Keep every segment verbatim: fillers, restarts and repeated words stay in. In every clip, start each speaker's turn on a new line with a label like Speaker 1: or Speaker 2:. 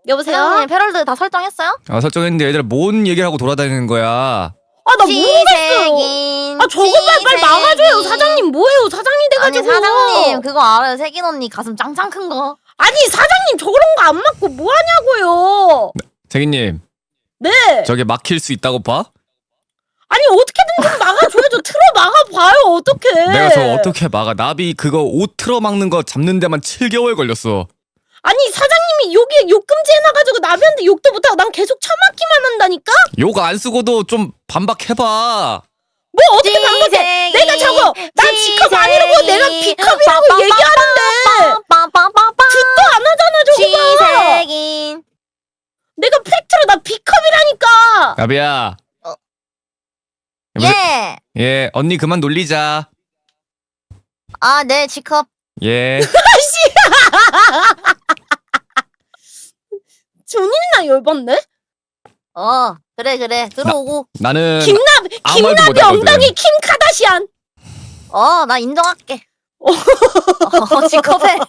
Speaker 1: 여보세요?
Speaker 2: 사장님 페럴드 다 설정했어요?
Speaker 3: 아 설정했는데 얘들 뭔 얘기를 하고 돌아다니는 거야.
Speaker 1: 아 나 모르겠어요.
Speaker 2: 시세긴
Speaker 1: 아 저것만 빨리 막아줘요. 사장님 뭐예요? 사장님
Speaker 2: 아니
Speaker 1: 돼가지고.
Speaker 2: 사장님 그거 알아요. 세긴 언니 가슴 짱짱 큰 거.
Speaker 1: 아니 사장님 저런 거 안 막고 뭐 하냐고요.
Speaker 3: 세기님
Speaker 1: 네.
Speaker 3: 저게 막힐 수 있다고 봐?
Speaker 1: 아니 어떻게든 좀 막아줘야죠. 틀어 막아봐요. 어떡해.
Speaker 3: 내가 저 어떻게 막아. 나비 그거 옷 틀어 막는 거 잡는 데만 칠 개월 걸렸어.
Speaker 1: 아니 사장님이 여기에 욕금지 해놔가지고 나비한테 욕도 못하고 난 계속 처맞기만 한다니까?
Speaker 3: 욕 안 쓰고도 좀 반박해봐.
Speaker 1: 뭐 어떻게 반박해. 내가 저거 난 G컵 아니라고 내가 B컵이라고 얘기하는데 듣도 안 하잖아 저거 봐.
Speaker 2: 시세긴
Speaker 1: 내가 팩트로 나 B컵이라니까.
Speaker 3: 나비야.
Speaker 2: 어.
Speaker 3: 여보세-
Speaker 2: 예.
Speaker 3: 예 언니 그만 놀리자.
Speaker 2: 아 네 G컵.
Speaker 3: 예.
Speaker 1: 준이나 열받네?
Speaker 2: 어 그래 그래 들어오고.
Speaker 3: 나는
Speaker 1: 김나,
Speaker 3: 아무 말도
Speaker 1: 김나비
Speaker 3: 못하거든.
Speaker 1: 엉덩이 킴 카다시안.
Speaker 2: 어 나 인정할게. 어 G컵에.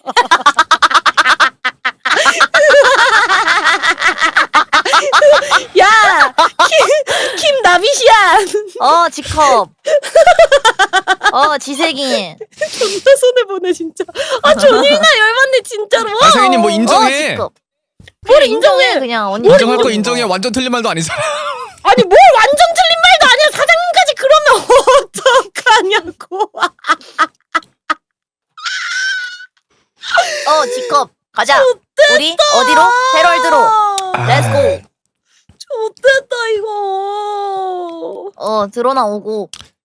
Speaker 1: 야, 킴, 킴 나비시안.
Speaker 2: 어 G컵. 어 지세긴.
Speaker 1: 존나 손해보네, 진짜. 아, 준이나 열받네, 진짜로.
Speaker 3: 아 세기님 뭐
Speaker 2: 어
Speaker 3: 인정해.
Speaker 2: G컵.
Speaker 1: 뭘
Speaker 2: 인정해
Speaker 1: 인정해.
Speaker 2: 그냥 언니.
Speaker 3: 인정할 거
Speaker 2: 인정해.
Speaker 3: 인정해. 완전 틀린 말도 아니잖아.
Speaker 1: 아니, 뭘 완전 틀린 말도 아니야. 사장님까지 그러면 어떡하냐고.
Speaker 2: 어 G컵 가자. 우리 어디로? 헤럴드로. 렛츠고.
Speaker 1: 좋됐다, 이거.
Speaker 2: 어 드러나 오고.